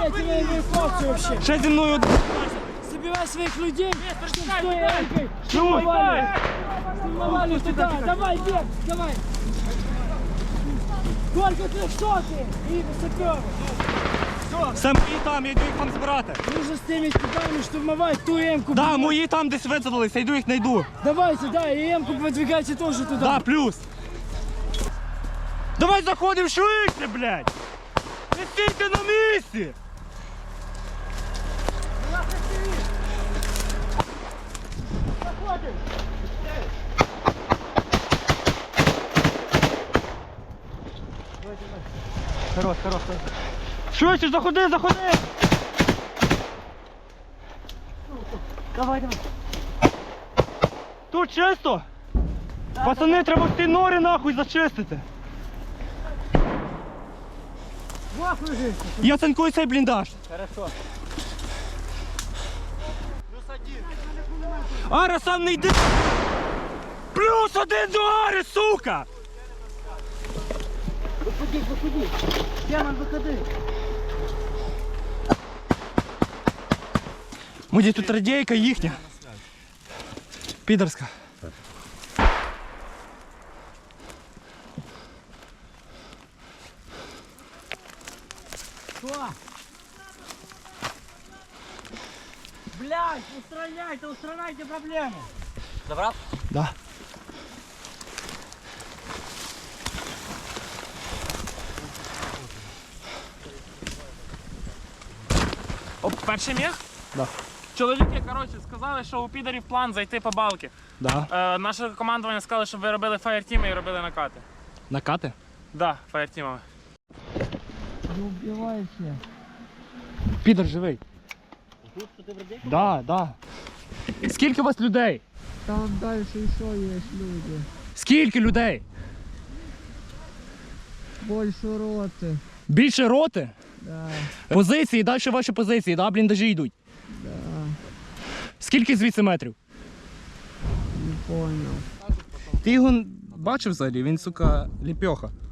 я тебе эвакуацию вообще. Ще зі мною. Собирай своих людей, чтобы с той Стой! Элькой штурмовали туда. Давай, бег, давай. Только 300 и саперы. Все мої там, я йду їх там збирати. Нужно с теми типами штурмовать ту Эмку. Да, мої там десь висадилися, йду їх знайду. Давайте, да, и Эмку подвигайте тоже туда. Да, плюс. Давай заходимо швидше, блядь. Не стійте на місці. Хорош. Швидше, заходи. Давай. Тут чисто? Пацани, треба ці нори нахуй зачистити. Я цинкую цей бліндаж. Хорошо. Ара, сам не йди. Плюс 1 до Ари, сука! Выходи. Демон, выходи. Муді, тут радійка їхня. Підерська. Что? Блядь, устраняйте проблему. Забрав? Да. Перший міг? Да. Чоловіки, коротше, сказали, що у підарів план зайти по балки. Да. Наше командування сказали, щоб ви робили фаєртіми і робили накати. Накати? Да, фаєртімами. Не убивайся. Підер живий. Тут що ти в радійку? Да. Скільки у вас людей? Там дальше еще есть люди. Скільки людей? Больше роты. Більше роти? Да, Позиції, далі ваші позиції, да? Бліндажі йдуть. да. Скільки звідси метрів? Не понял. Ти його бачив взагалі? Він, сука, ліпьоха.